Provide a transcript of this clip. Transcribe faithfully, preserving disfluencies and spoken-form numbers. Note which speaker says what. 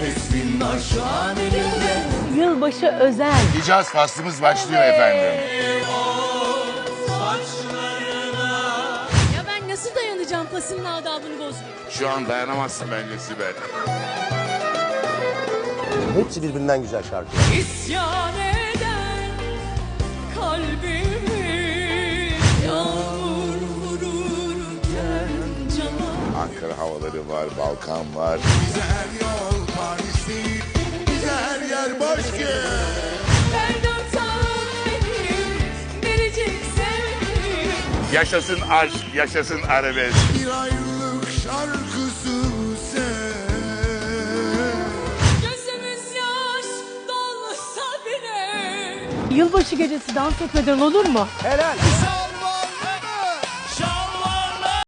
Speaker 1: Bismillah şu an elimde.
Speaker 2: Yılbaşı özel.
Speaker 3: Hicaz faslımız başlıyor efendim.
Speaker 4: Ya ben nasıl dayanacağım pasının adabını bozmaya?
Speaker 3: Şu an dayanamazsın bence Sibel.
Speaker 5: Hepsi birbirinden güzel şarkı.
Speaker 4: İsyan eden kalbimi yağmur vururken cama.
Speaker 3: Ankara havaları var, Balkan var.
Speaker 1: Bize her yol Paris değil. Bize her yer başka.
Speaker 4: Ben dört ağım benim biricik sevgilim.
Speaker 3: Yaşasın aşk, yaşasın arabesk.
Speaker 1: Bir ayrılık şarkısı sen.
Speaker 4: Gözümüz yaş dolsa bile.
Speaker 2: Yılbaşı gecesi dans etmeden olur mu?
Speaker 5: Helal.